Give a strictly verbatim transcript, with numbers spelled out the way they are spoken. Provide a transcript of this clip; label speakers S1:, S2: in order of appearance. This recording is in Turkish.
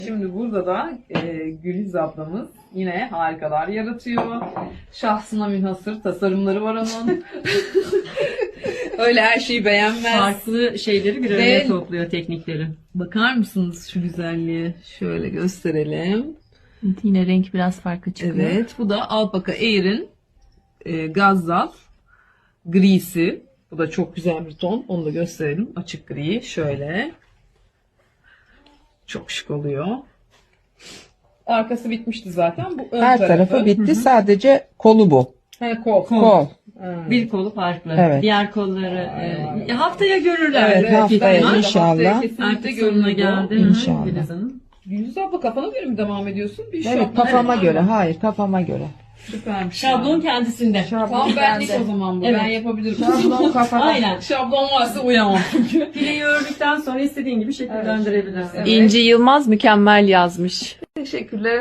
S1: Şimdi burada da e, Güliz ablamız yine harikalar yaratıyor. Şahsına münhasır tasarımları var onun. Öyle her şeyi beğenmez.
S2: Farklı şeyleri bir
S1: Ve-
S2: araya topluyor, teknikleri.
S1: Bakar mısınız şu güzelliğe? Şöyle gösterelim.
S2: Yine renk biraz farklı çıkıyor.
S1: Evet, bu da Alpaka Air'in e, Gazzal grisi. Bu da çok güzel bir ton. Onu da gösterelim. Açık gri. Şöyle. Çok şık oluyor. Arkası bitmişti zaten. Bu ön
S3: Her
S1: tarafı.
S3: tarafı bitti. Sadece kolu bu.
S1: He, kol.
S3: Kol.
S1: Ha.
S2: Bir kolu farklı.
S3: Evet.
S2: Diğer kolları e, haftaya görürler.
S3: Evet, haftaya
S1: bence de
S3: inşallah.
S1: haftaya kesinlikle
S2: Artık sonuna
S1: görülür bu.
S2: geldi.
S3: İnşallah.
S2: Güliz Hanım.
S1: Güliz abla kafana göre mi devam ediyorsun? Bir
S3: Evet,
S1: şablon-
S3: kafama
S1: Evet,
S3: göre.
S1: tamam.
S3: Hayır, kafama göre.
S1: Süpermiş.
S2: Şablon kendisinde.
S1: Tam benlik o zaman bu.
S2: Evet.
S1: Ben yapabilirim.
S3: Şablon kafada.
S2: Aynen.
S1: Şablon varsa uyamam çünkü.
S2: Fileyi ördükten sonra istediğin gibi şekillendirebilirsin.
S1: Evet.
S4: İnci Yılmaz mükemmel yazmış.
S1: Teşekkürler.